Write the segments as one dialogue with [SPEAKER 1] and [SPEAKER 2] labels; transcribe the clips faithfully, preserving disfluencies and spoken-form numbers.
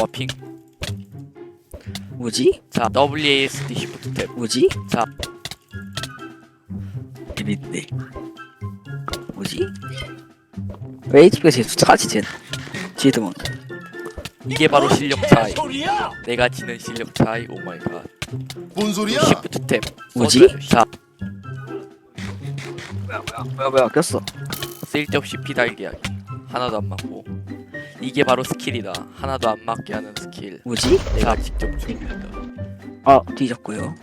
[SPEAKER 1] 와 핑.
[SPEAKER 2] 뭐지?
[SPEAKER 1] 자 더블유 에이 에스 디 시프트 탭.
[SPEAKER 2] 뭐지?
[SPEAKER 1] 자
[SPEAKER 2] 재밌네. 뭐지? 왜 에이치피가 제일 차지 쟤는? 지드몬.
[SPEAKER 1] 이게 바로 실력 차이. 내가 지는 실력 차이. 오 마이 갓.
[SPEAKER 3] 뭔 소리야?
[SPEAKER 1] 시프트 탭.
[SPEAKER 2] 뭐지?
[SPEAKER 1] 써줘야죠. 자
[SPEAKER 2] 뭐야 뭐야 뭐야 뭐야 꼈어.
[SPEAKER 1] 쓸데없이 피달기하기. 하나도 안 맞고. 이게 바로 스킬이다. 하나도 안 맞게 하는 스킬.
[SPEAKER 2] 뭐지?
[SPEAKER 1] 내가 직접 준비한다.
[SPEAKER 2] 아 뒤졌고요.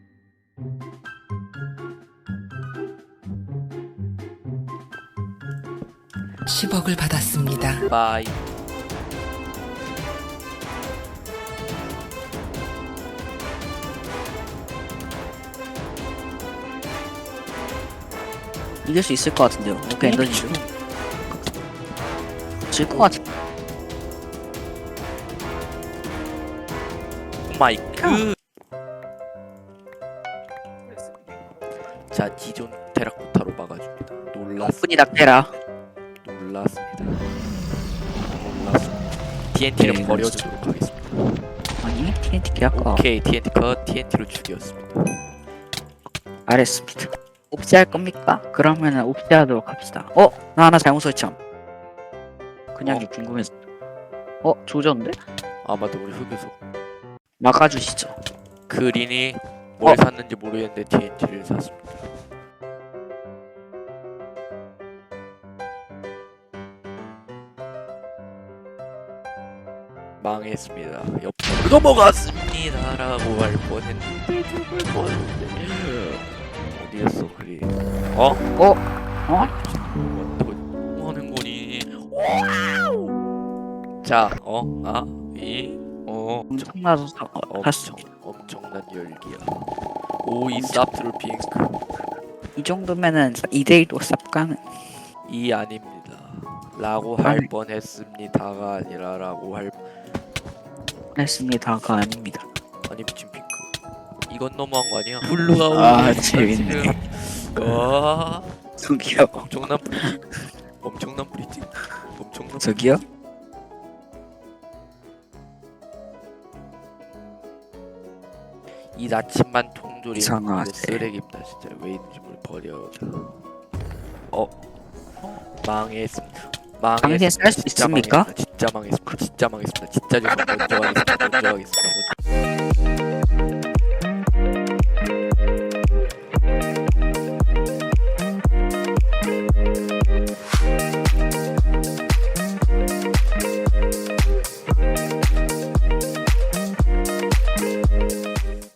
[SPEAKER 4] 십억을 받았습니다.
[SPEAKER 1] 바이.
[SPEAKER 2] 이길 수 있을 것 같은데요. 오케이 엔더지. 질것 같은.
[SPEAKER 1] 오 마이 갓. 자 지존 테라코타로 막아줍니다. 놀랐
[SPEAKER 2] 분이 낙태라.
[SPEAKER 1] 놀랐습니다. 놀랐습니다. 티엔티를
[SPEAKER 2] 네,
[SPEAKER 1] 버려주도록 하겠습니다.
[SPEAKER 2] 아니 티엔티 계약과
[SPEAKER 1] 오케이 티엔티 컷. 티엔티로 죽였습니다.
[SPEAKER 2] 알았습니다. 옵시 할 겁니까? 그러면은 옵시 하도록 합시다. 어? 나 하나 잘못 설정. 그냥
[SPEAKER 1] 어?
[SPEAKER 2] 궁금해서. 어? 조졌는데?
[SPEAKER 1] 아마도 우리 흑유소.
[SPEAKER 2] 막아주시죠.
[SPEAKER 1] 그린이 뭘
[SPEAKER 2] 어?
[SPEAKER 1] 샀는지 모르겠는데 티엔티를 샀습니다. 망했습니다. 옆으로 넘어갔습니다라고 할 뻔했는데 죽을 뻔했는데 어디였어 그린? 어?
[SPEAKER 2] 어? 어?
[SPEAKER 1] 뭐 하는 거니? 와우! 자, 어, 아, 이, 어,
[SPEAKER 2] 엄청나서 사, 어,
[SPEAKER 1] 엄청,
[SPEAKER 2] 샀습니다.
[SPEAKER 1] 엄청난 열기야. 오, 이 쌉트루 핑크.
[SPEAKER 2] 이 정도면은 이 대 일도 쌉 가는.
[SPEAKER 1] 이 아닙니다. 라고 할
[SPEAKER 2] 아니.
[SPEAKER 1] 뻔했습니다가 아니라 라고 할
[SPEAKER 2] 했습니다가 아닙니다.
[SPEAKER 1] 아니 미친 핑크. 이건 너무한 거 아니야? 블루가
[SPEAKER 2] 아,
[SPEAKER 1] 오니까
[SPEAKER 2] 재밌네.
[SPEAKER 1] 지금. 와,
[SPEAKER 2] 저기요.
[SPEAKER 1] 엄청난 브리징. 엄청난 브리징. 엄청난.
[SPEAKER 2] 저기요?
[SPEAKER 1] 이 나침반 통조림
[SPEAKER 2] 이상하지.
[SPEAKER 1] 쓰레기입니다. 진짜 왜 있는지 모르 버려. 어, 망했습니다.
[SPEAKER 2] 당신 쌀수
[SPEAKER 1] 진짜
[SPEAKER 2] 있습니까?
[SPEAKER 1] 망했습니다. 진짜 망했습니다. 진짜 망했습니다. 진짜 죄송합니다. 먼저 하겠습니다. 먼저 하겠습니다. 먼저.